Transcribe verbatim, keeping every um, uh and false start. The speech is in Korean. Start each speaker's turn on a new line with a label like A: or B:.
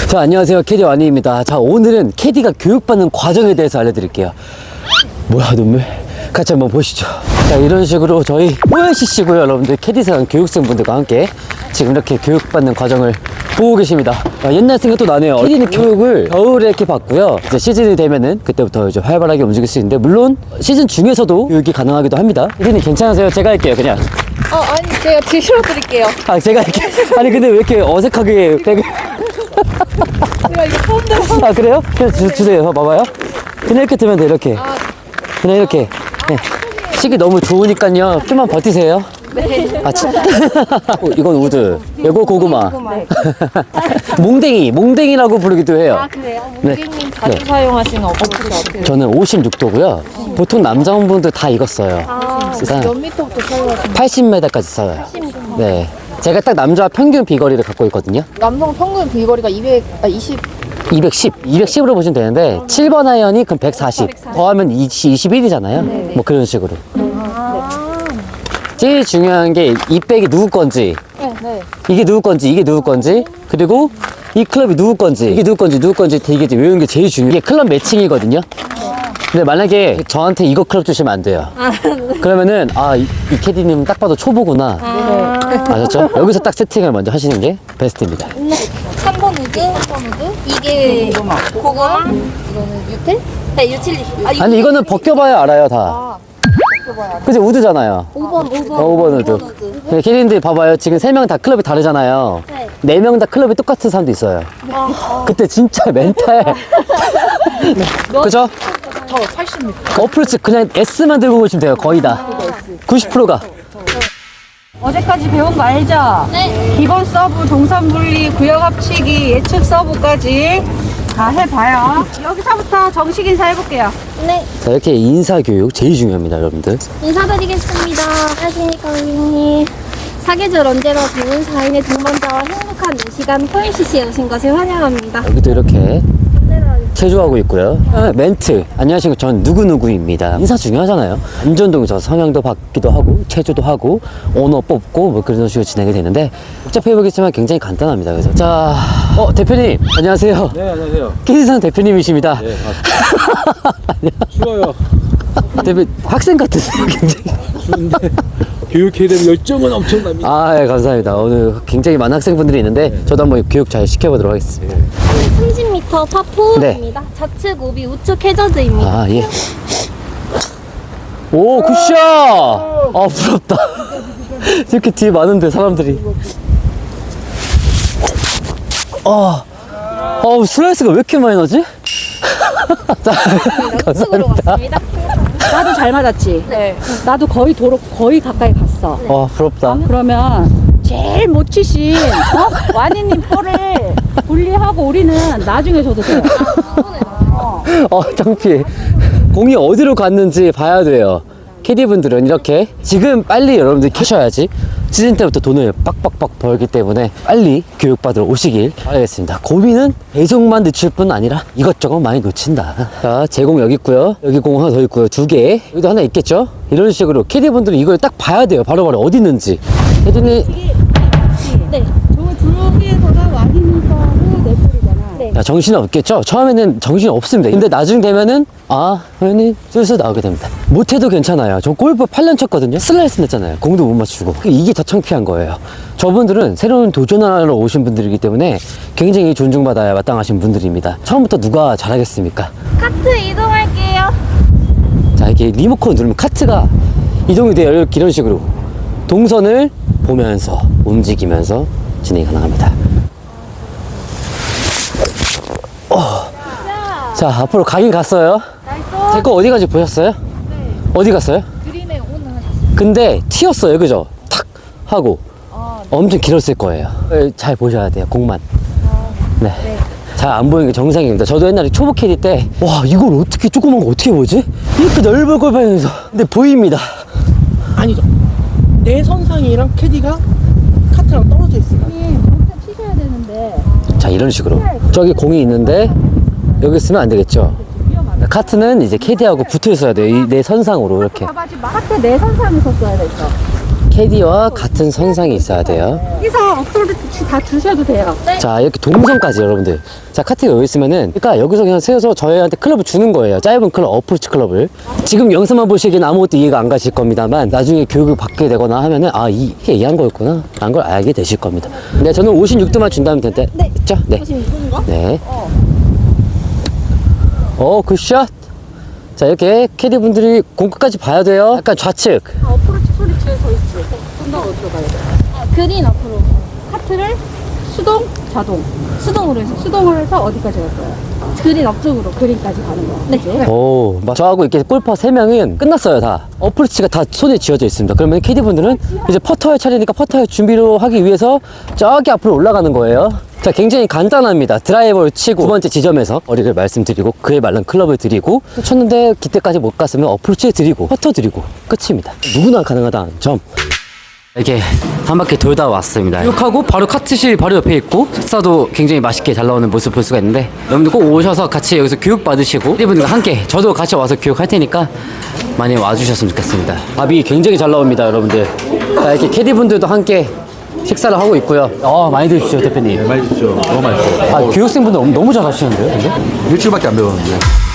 A: 자, 안녕하세요. 캐디 와니입니다. 자, 오늘은 캐디가 교육받는 과정에 대해서 알려드릴게요. 뭐야, 눈물? 같이 한번 보시죠. 자, 이런 식으로 저희 오엘씨씨고요, 여러분들. 캐디상 교육생분들과 함께 지금 이렇게 교육받는 과정을 보고 계십니다. 아, 옛날 생각도 나네요. 캐디는 교육을 겨울에 이렇게 받고요. 이제 시즌이 되면은 그때부터 이제 활발하게 움직일 수 있는데, 물론 시즌 중에서도 교육이 가능하기도 합니다. 캐디는 괜찮으세요? 제가 할게요, 그냥.
B: 어, 아니, 제가 뒤로 드릴게요.
A: 아, 제가 할게요. 아니, 근데 왜 이렇게 어색하게 백을.
B: 제가 이거 처음 들어.
A: 아, 그래요? 그냥 주, 주세요. 봐봐요. 그냥 이렇게 들면 돼, 이렇게.
B: 아,
A: 그냥 이렇게. 네. 식이 너무 좋으니까요. 좀만 버티세요.
B: 네.
A: 아, 참. 어, 이건 우드. 이거 고구마.
B: 네.
A: 몽댕이. 몽댕이라고 부르기도 해요.
B: 아, 그래요?
A: 네.
B: 고객님 자주
A: 네.
B: 사용하시는 어플이 어때요?
A: 저는 오십육 도고요. 보통 남자분들 다 이거 써요.
B: 아,
A: 그러니까
B: 몇 미터부터 사용하시는
A: 팔십 미터까지 써요.
B: 거예요?
A: 네. 제가 딱 남자 평균 비거리를 갖고 있거든요.
B: 남성 평균 비거리가 이백, 아, 이십.
A: 이백십. 이백십으로 보시면 되는데, 칠 번 아이언이 그럼 백사십. 더하면 이십일이잖아요. 뭐 그런 식으로. 제일 중요한 게 이 백이 누구 건지,
B: 네, 네.
A: 이게 누구 건지, 이게 누구 건지, 그리고 이 클럽이 누구 건지, 이게 누구 건지, 누구 건지 되게 이제 외우는 게 제일 중요해요. 이게 클럽 매칭이거든요. 근데 만약에 저한테 이거 클럽 주시면 안 돼요. 그러면은, 아, 이, 이 캐디님 딱 봐도 초보구나. 아셨죠? 여기서 딱 세팅을 먼저 하시는 게 베스트입니다.
B: 삼 번 우드, 삼 번 우드. 이게 고구마. 고구마. 이거는 유틸? 네, 유틸리. 아, 이거
A: 아니, 이거는 벗겨봐야 알아요, 다.
B: 아, 벗겨봐야
A: 그치, 우드잖아요.
B: 오 번, 오 번.
A: 어, 오 번 우드. 네, 캐디님들 봐봐요. 지금 세 명 다 클럽이 다르잖아요.
B: 네.
A: 네 명 다 클럽이 똑같은 사람도 있어요.
B: 아,
A: 그때 진짜 멘탈. 그죠?
B: 저 팔십 미터.
A: 어프로치 그냥 S만 들고 오시면 돼요. 거의 다. 구십 퍼센트가.
C: 어제까지 배운 거 알죠?
B: 네.
C: 기본 서브, 동선 분리, 구역 합치기, 예측 서브까지 다 해봐요. 여기서부터 정식 인사 해볼게요.
B: 네.
A: 자, 이렇게 인사교육 제일 중요합니다, 여러분들.
D: 인사드리겠습니다. 안녕하십니까, 고객님. 사계절 언제나 좋은 사인의 동반자와 행복한 이 시간 포인씨씨에 오신 것을 환영합니다.
A: 여기도 이렇게 체조하고 있고요. 아, 멘트. 안녕하십니까. 전 누구누구입니다. 인사 중요하잖아요. 안전동에서 성향도 받기도 하고, 체조도 하고, 언어 뽑고, 뭐 그런 식으로 진행이 되는데, 복잡해 보이겠지만 굉장히 간단합니다. 그래서. 자, 어, 대표님. 안녕하세요.
E: 네, 안녕하세요.
A: 캐디상 대표님이십니다.
E: 네, 맞습니다. 추워요.
A: 대표, 학생 같으세요, 굉장히.
E: 추운데 교육해야 되는 열정은 엄청납니다.
A: 아, 예, 감사합니다. 오늘 굉장히 많은 학생분들이 있는데, 저도 한번 교육 잘 시켜보도록 하겠습니다.
D: 삼십 미터 파포입니다. 좌측 오비, 우측 해저드입니다.
A: 아, 예. 오, 굿샷! 아, 부럽다. 이렇게 뒤에 많은데, 사람들이. 아, 어, 슬라이스가 왜 이렇게 많이 나지? 자,
D: 우측으로
A: 감사합니다.
D: 갔습니다.
C: 나도 잘 맞았지?
B: 네.
C: 나도 거의 도로, 거의 가까이 갔어.
A: 와, 부럽다.
C: 그러면 제일 못 치신, 어? 와니님 볼을 분리하고 우리는 나중에 줘도 돼요.
A: 어, 창피해. 공이 어디로 갔는지 봐야 돼요. 캐디분들은 이렇게 지금 빨리 여러분들 캐셔야지 시즌 때부터 돈을 빡빡빡 벌기 때문에 빨리 교육받으러 오시길 바라겠습니다. 고민은 배송만 늦출 뿐 아니라 이것저것 많이 놓친다. 자, 제공 여기 있고요. 여기 공 하나 더 있고요. 두 개. 여기도 하나 있겠죠? 이런 식으로 캐디분들은 이걸 딱 봐야 돼요. 바로바로 어디 있는지. 캐디님,
D: 네.
C: 저 저기에서가 와니님 거를 내 볼이잖아.
D: 네.
A: 야, 정신이 없겠죠? 처음에는 정신이 없습니다. 근데 나중 되면은, 아, 회원님, 슬슬 나오게 됩니다. 못해도 괜찮아요. 저 골프 팔 년 쳤거든요? 슬라이스 냈잖아요. 공도 못 맞추고. 이게 더 창피한 거예요. 저분들은 새로운 도전하러 오신 분들이기 때문에 굉장히 존중받아야 마땅하신 분들입니다. 처음부터 누가 잘하겠습니까?
D: 카트 이동할게요.
A: 자, 이렇게 리모컨 누르면 카트가 이동이 돼요. 이렇게 이런 식으로. 동선을 보면서, 움직이면서 진행이 가능합니다. 어. 자, 앞으로 가긴 갔어요. 제 거 어디 가지 보셨어요? 네. 어디 갔어요?
B: 그림에 오는
A: 근데 튀었어요, 그죠? 탁 하고 엄청 길었을 거예요. 네, 잘 보셔야 돼요, 공만. 네. 잘 안 보이는 게 정상입니다. 저도 옛날에 초보 캐디 때, 와, 이걸 어떻게 조그만 거 어떻게 보지? 이렇게 넓은 걸 보면서. 근데 보입니다.
F: 아니죠. 내 선상이랑 캐디가 카트랑 떨어져 있어요.
C: 치셔야 되는데.
A: 자, 이런 식으로. 저기 공이 있는데, 여기 쓰면 안 되겠죠? 카트는 이제 캐디하고 붙어 있어야 돼요. 이 내 선상으로 이렇게.
C: 봐봐지 마. 카트 내 선상에서 써야 됐어.
A: 캐디와 같은 선상이 있어야 돼요.
C: 여기서 어플을 다 주셔도 돼요.
A: 자, 이렇게 동선까지 여러분들. 자, 카트가 여기 있으면은, 그러니까 여기서 그냥 세워서 저희한테 클럽을 주는 거예요. 짧은 클럽, 어프로치 클럽을. 지금 영상만 보시기엔 아무것도 이해가 안 가실 겁니다만, 나중에 교육을 받게 되거나 하면은, 아, 이게 이해한 거였구나. 라는 걸 알게 되실 겁니다. 네, 저는 오십육 도만 준다면 된대.
D: 네.
A: 됐죠? 네.
D: 오십육 도인가?
A: 네. 어, 굿샷. 자, 이렇게 캐디 분들이 공 끝까지 봐야 돼요. 약간 좌측.
C: 아, 어프로치 소리치에 서 있지. 좀더 어디로 가야 돼?
D: 아, 그린 앞으로.
C: 카트를 수동, 자동.
D: 수동으로 해서.
C: 수동을 해서 어디까지 갈 거야?
D: 그린 앞쪽으로.
C: 그린까지 가는 거야.
D: 네.
A: 오, 막 저하고 이렇게 골퍼 세 명은 끝났어요, 다. 어프로치가 다 손에 쥐어져 있습니다. 그러면 캐디 분들은 이제 퍼터할 차례니까 퍼터할 준비로 하기 위해서 저기 앞으로 올라가는 거예요. 자, 굉장히 간단합니다. 드라이버를 치고 두 번째 지점에서 거리를 말씀드리고 그에 맞는 클럽을 드리고 쳤는데 기대까지 못 갔으면 어프로치 드리고 퍼터 드리고 끝입니다. 누구나 가능하다는 점. 이렇게 한 바퀴 돌다 왔습니다. 교육하고 바로 카트실 바로 옆에 있고 식사도 굉장히 맛있게 잘 나오는 모습 볼 수가 있는데 여러분들 꼭 오셔서 같이 여기서 교육 받으시고 캐디분들과 함께 저도 같이 와서 교육할 테니까 많이 와주셨으면 좋겠습니다. 밥이 굉장히 잘 나옵니다, 여러분들. 자, 이렇게 캐디분들도 함께 식사를 하고 있고요. 아, 많이 드십시오, 대표님.
E: 맛있죠. 너무 맛있어.
A: 아, 교육생분들 너무, 너무 잘하시는데요, 근데?
E: 일주일밖에 안 배웠는데.